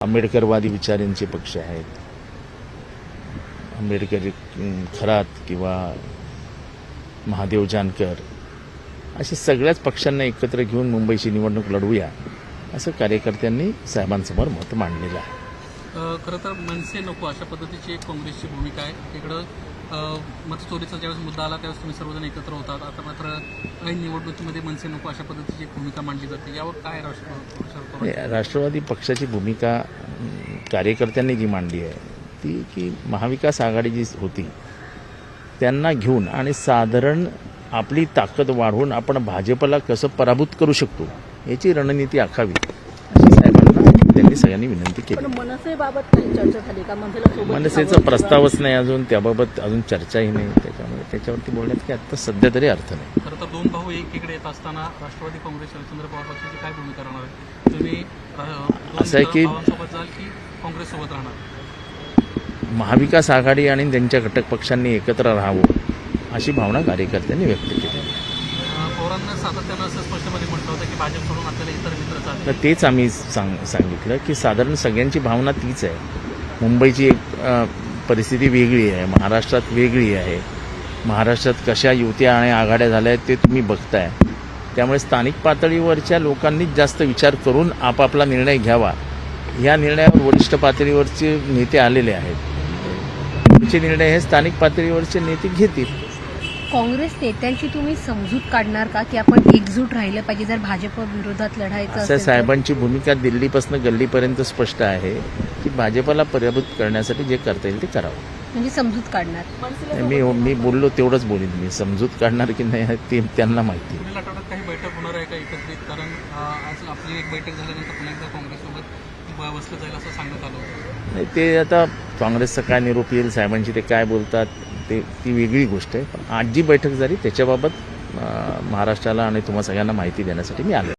आंबेडकरवादी विचारांचे पक्ष आहेत. आंबेडकर खरात किंवा महादेव जानकर अशा सगळ्याच पक्षांना एकत्र घेऊन मुंबईची निवडणूक लढवूया असं कार्यकर्त्यांनी साहेबांसमोर मत मांडलेलं आहे. खरं तर मनसे नको अशा पद्धतीची एक काँग्रेसची भूमिका आहे. इकडं मतचोरीचा ज्यावेळेस मुद्दा आला त्यावेळेस तुम्ही सर्वजण एकत्र होतात. आता मात्र ऐन निवडणुकीमध्ये मनसे नको अशा पद्धतीची एक भूमिका मांडली जाते. यावर काय राष्ट्रवादी पक्षाची भूमिका कार्यकर्त्यांनी जी मांडली आहे ती की महाविकास आघाडी जी होती त्यांना घेऊन आणि साधारण आपली ताकद वाढवून आपण भाजपला कसं पराभूत करू शकतो याची रणनीती आखावी अशी साहेबांना त्यांनी सगळ्यांनी विनंती केली. मनसेबाबत काही चर्चा झाली का? मनसेचा प्रस्तावच नाही अजून, त्याबाबत अजून चर्चाही नाही, त्याच्यामुळे त्याच्यावरती बोलण्यात की आता सध्या तरी अर्थ नाही. खरं तर दोन भाऊ एकीकडे येत असताना राष्ट्रवादी काँग्रेस शरदचंद्र पवार पक्षाची काय भूमिका राहणार आहे? तुम्ही असं आहे की भावांसोबत जाल की काँग्रेससोबत राहणार? महाविकास आघाडी आणि त्यांच्या घटक पक्षांनी एकत्र राहावं अशी भावना कार्यकर्त्यांनी व्यक्त केली. पवारांना सातत्यानं असं स्पष्टपणे म्हटलं होतं की भाजप सोडून आपल्याला इतर मित्र चालले. तर तेच आम्ही सांगितलं की साधारण सगळ्यांची भावना तीच आहे. मुंबईची एक परिस्थिती वेगळी आहे, महाराष्ट्रात वेगळी आहे. महाराष्ट्रात कशा युत्या आणि आघाड्या झाल्या आहेत ते तुम्ही बघताय. त्यामुळे स्थानिक पातळीवरच्या लोकांनीच जास्त विचार करून आपापला निर्णय घ्यावा. या निर्णयावर वरिष्ठ पातळीवरचे नेते आलेले आहेत. पुढचे निर्णय हे स्थानिक पातळीवरचे नेते घेतील. काँग्रेस नेत्यांची तुम्ही समजूत काढणार का की आपण एकजूट राहिलं पाहिजे जर भाजप विरोधात लढायचं असं असेल? साहेबांची भूमिका दिल्लीपासून गल्लीपर्यंत स्पष्ट आहे की भाजपला पराभूत करण्यासाठी जे करता येईल ते करावं. म्हणजे समजूत काढणार. मी बोललो तेवढंच बोलीन. मी समजूत काढणार की नाही ते त्यांना माहिती. पुढील आठवड्यात काही बैठक होणार आहे का एकत्रित? कारण आज आपली एक बैठक झाल्यानंतर पुन्हा एकदा काँग्रेससोबत बसलं जाईल असं सांगण्यात आलं होतं. नाही, ते आता काँग्रेसचा काय निरोप येईल, साहेबांची ते काय बोलतात ती वेगळी गोष्ट आहे. पण आज जी बैठक झाली त्याच्याबाबत महाराष्ट्राला आणि तुम्हा सगळ्यांना माहिती देण्यासाठी मी आलो.